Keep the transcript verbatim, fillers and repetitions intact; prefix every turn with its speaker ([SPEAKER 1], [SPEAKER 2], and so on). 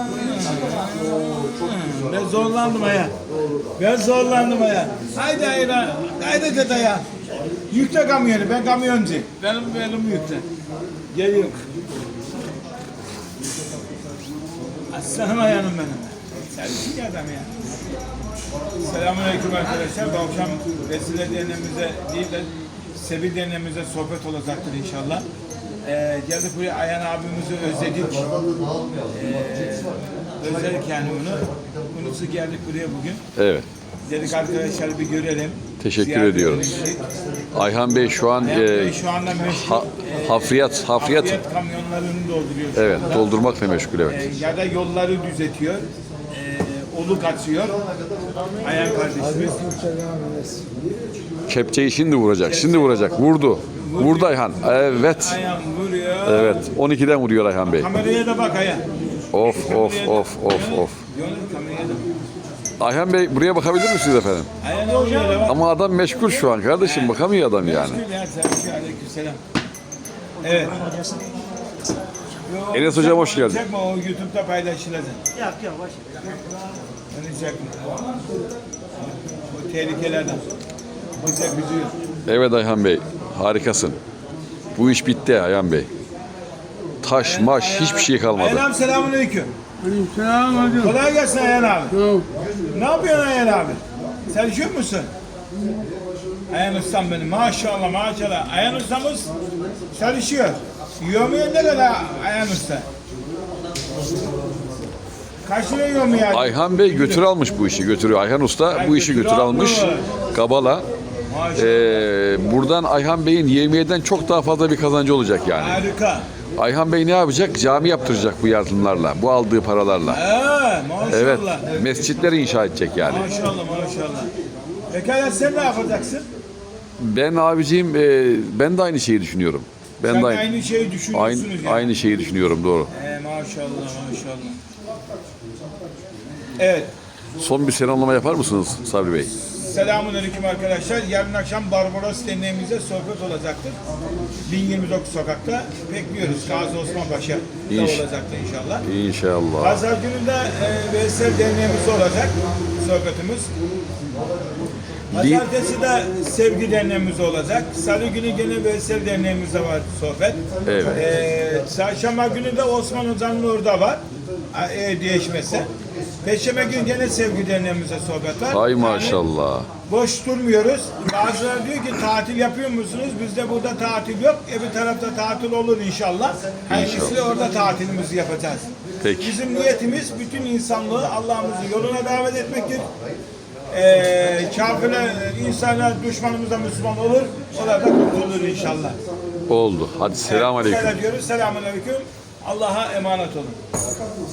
[SPEAKER 1] Ben zorlandım aya. Ben zorlandım aya. Haydi ayra. Haydi dede ya. Yükle kamyonu. Ben kamyoncu. Benim benim yükle. Geliyorum. Aslanım ayağım benim. Sen bir adam ya. Selamünaleyküm arkadaşlar. Bu akşam Vesile Derneğimize değil de Sebil Derneğimize sohbet olacaktır inşallah. Ee, geldik buraya, Ayhan abimizi özledik. Ee, özledik yani onu. Unusu geldik buraya bugün.
[SPEAKER 2] Evet.
[SPEAKER 1] Dedik arkadaşlar bir görelim.
[SPEAKER 2] Teşekkür
[SPEAKER 1] Ziyaret
[SPEAKER 2] ediyoruz.
[SPEAKER 1] edelim.
[SPEAKER 2] Ayhan Bey şu an
[SPEAKER 1] Ayhan
[SPEAKER 2] e,
[SPEAKER 1] Bey şu anda meşgul.
[SPEAKER 2] ha, hafriyat, hafriyat,
[SPEAKER 1] Hafriyat kamyonlarını dolduruyor şu
[SPEAKER 2] evet,
[SPEAKER 1] anda.
[SPEAKER 2] doldurmakla meşgul, evet.
[SPEAKER 1] Ee, ya da yolları düzetiyor. Ee, oluk açıyor. Ayhan kardeşimiz.
[SPEAKER 2] Kepçeyi şimdi vuracak, şimdi vuracak. Vurdu. Vurdu Ayhan. Evet.
[SPEAKER 1] Ayhan vuruyor.
[SPEAKER 2] Evet. on ikiden vuruyor Ayhan Bey.
[SPEAKER 1] Kameraya da bak Ayhan.
[SPEAKER 2] Of of of of of.
[SPEAKER 1] Yönel kameraya da bak.
[SPEAKER 2] Ayhan Bey buraya bakabilir misiniz efendim?
[SPEAKER 1] Ayhan oraya da bak.
[SPEAKER 2] Ama adam meşgul şu an kardeşim, bakamıyor adam yani.
[SPEAKER 1] Meşgul ya, selam. Aleykümselam. Evet. Yo,
[SPEAKER 2] Enes hocam hoş geldin.
[SPEAKER 1] Çekme, o YouTube'da paylaşılacak.
[SPEAKER 3] Yok yok boş.
[SPEAKER 1] Onu çekme. O tehlikelerden. Bize kızıyor.
[SPEAKER 2] Evet Ayhan Bey, harikasın. Bu iş bitti Ayhan Bey. Taş, maş, hiçbir şey kalmadı.
[SPEAKER 1] Ayhan abi selamünaleyküm.
[SPEAKER 3] Selam hocam.
[SPEAKER 1] Kolay gelsin Ayhan abi.
[SPEAKER 3] Tamam.
[SPEAKER 1] Ne yapıyorsun Ayhan abi? Sen üşüyor musun? Ayhan ustam benim. Maşallah maşallah. Ayhan ustamız çalışıyor. Yomuyor ne kadar Ayhan usta? Kaç lira yomuyor?
[SPEAKER 2] Ayhan Bey götür almış bu işi, götürüyor. Ayhan Usta bu işi
[SPEAKER 1] götür
[SPEAKER 2] götür almış.
[SPEAKER 1] almış.
[SPEAKER 2] Kabala.
[SPEAKER 1] Maşallah.
[SPEAKER 2] Ee, buradan Ayhan Bey'in yevmiyeden çok daha fazla bir kazancı olacak yani.
[SPEAKER 1] Harika.
[SPEAKER 2] Ayhan Bey ne yapacak? Cami yaptıracak bu yardımlarla, bu aldığı paralarla.
[SPEAKER 1] Ee, maşallah.
[SPEAKER 2] Evet, mescitleri inşa edecek yani.
[SPEAKER 1] Maşallah maşallah. Pekala sen ne yapacaksın?
[SPEAKER 2] Ben abiciğim, e, ben de aynı şeyi düşünüyorum. Ben
[SPEAKER 1] Sen
[SPEAKER 2] de
[SPEAKER 1] aynı,
[SPEAKER 2] aynı,
[SPEAKER 1] şeyi düşünüyorsunuz
[SPEAKER 2] aynı,
[SPEAKER 1] yani.
[SPEAKER 2] aynı şeyi düşünüyorum, doğru.
[SPEAKER 1] Ee, maşallah maşallah. Evet.
[SPEAKER 2] Son bir selamlama yapar mısınız Sabri Bey?
[SPEAKER 1] Selamünaleyküm arkadaşlar. Yarın akşam Barbaros Derneğimizde sohbet olacaktır. bin yirmi dokuz sokakta bekliyoruz. Gazi Osman Paşa'da
[SPEAKER 2] İnş-
[SPEAKER 1] olacaktır inşallah.
[SPEAKER 2] İnşallah.
[SPEAKER 1] Pazar günü de e, Veysel Derneğimiz olacak sohbetimiz. Pazartesi de Sevgi Derneğimiz olacak. Salı günü gene Veysel Derneğimizde var sohbet.
[SPEAKER 2] Evet.
[SPEAKER 1] E, Çarşamba günü de Osman Hoca'nın orada var. E, değişmesi. Perşembe günü gene Sevgi Derneğimizde sohbet var.
[SPEAKER 2] Hay
[SPEAKER 1] Yani
[SPEAKER 2] maşallah.
[SPEAKER 1] boş durmuyoruz. Bazıları diyor ki tatil yapıyor musunuz? Bizde burada tatil yok. Öbür tarafta tatil olur inşallah. Hayırlısı orada tatilimizi yapacağız.
[SPEAKER 2] Peki.
[SPEAKER 1] Bizim niyetimiz bütün insanlığı Allah'ımızın yoluna davet etmektir. Ee, kafirler, insanlar düşmanımız da Müslüman olur. Onlar da kurtulur inşallah.
[SPEAKER 2] Oldu. Hadi selam aleyküm.
[SPEAKER 1] Şöyle diyoruz. Selamun aleyküm. Allah'a emanet olun.